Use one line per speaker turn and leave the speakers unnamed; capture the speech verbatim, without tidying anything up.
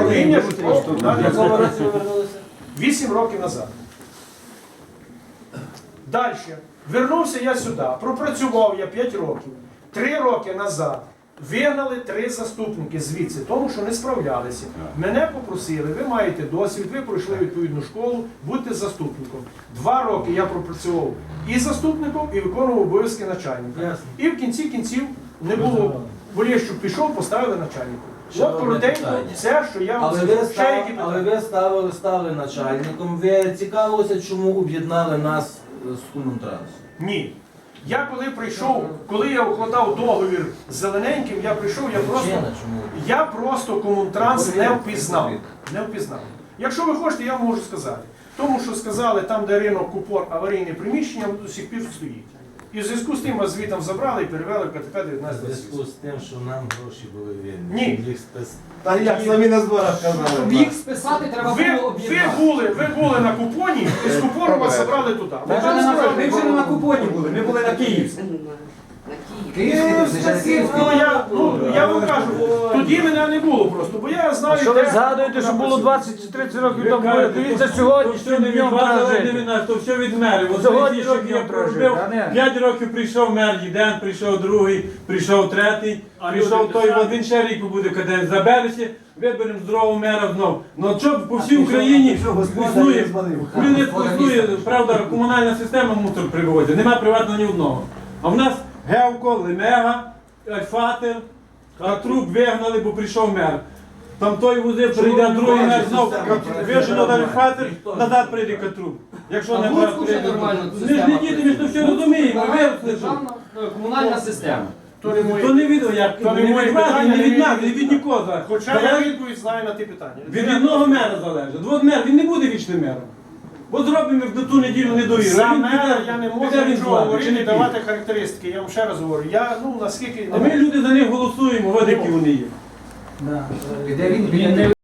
Управління житлового
В якому
комунального
році ви вернулися?
вісім років назад. Далі. Вернувся я сюди, пропрацював я п'ять років. Три роки назад вигнали три заступники звідси, тому що не справлялися. Мене попросили, ви маєте досвід, ви пройшли відповідну школу, будьте заступником. Два роки я пропрацював і заступником, і виконував обов'язки начальника.
Ясно.
І в кінці кінців не було, Болєщук пішов, поставили начальника.
Ще
От
одне
коротенько
питання.
все, що я вам
Але ви,
скажу. Ще
став,
які
але
питання?
ви ставили, стали начальником, ви цікавилися, чому об'єднали нас з Комунтрансом?
Ні. Я коли прийшов, коли я укладав договір з Зелененьким, я прийшов, я просто,
Причина чому?
я просто Комунтранс не впізнав. Не впізнав. Якщо ви хочете, я можу сказати. Тому що сказали, там, де ринок Купор, аварійне приміщення, воно до сих пір стоїть. І в зв'язку з тим вас звітом забрали і перевели в КТП
В
дев'ятнадцять
зв'язку
двадцять.
з тим, що нам гроші були вільні.
Ні.
щоб їх спис...
Та як самі на зборах
Щоб
казали.
їх списати, треба
Ви,
було
ви,
об'єднати.
були, ви були на Купоні, і з Купору вас забрали туди.
Ми
Ви
вже не
там
на-
сказали,
ми вже не на Купоні були, ми були на Київській.
Ну, я, ну, я вам кажу, тоді мене не було просто, бо я знаю,
Що ви
де-
згадуєте, що було двадцять-тридцять років
Ви
тому?
кажете,
Дивіться,
то
сьогодні
все не від
днем
вас,
треба
але не
жити.
від нас, то все від мерів. От
Сьогодні
що
днем
я
треба жити,
проробив,
а не-
п'ять років прийшов мер, один прийшов другий, прийшов третій, прийшов той, от він ще рік буде каденцію. Забереться, виберемо здорового мера знов. Ну от що по всій Україні існує, люди існує, правда, комунальна система мусор приводить, нема приватного ні одного. А в нас Гевко, Лемега, Альфатер, Катрук вигнали, бо прийшов мер. Там той возив, прийде другий мер знов, вижено далі Альфатер, назад прийде Катрук. Якщо
А
не
в
брат
Луцьку вже
прийде.
нормально
Ми ж не
система
діти, ми ж то все розуміємо, ми виросли. що.
Державна е, комунальна система.
То не моє.
То не від, як,
То не
не
моє
від вас,
питання,
не від
не
нас,
від-
не від нікого.
Хоча я
Залежить
відповідь знаю на ті питання.
від одного мера залежить. От мер, він не буде вічним мером. Бо зробимо в ту неділю недовіру.
За
Він
мене
піде-
я не
піде
можу
він з
нічого
влади, чи
говорити
не
і
піде?
давати характеристики. Я вам ще раз говорю. Я, ну, наскільки...
А ми люди за них голосуємо, от які вони є.
Піде він, піде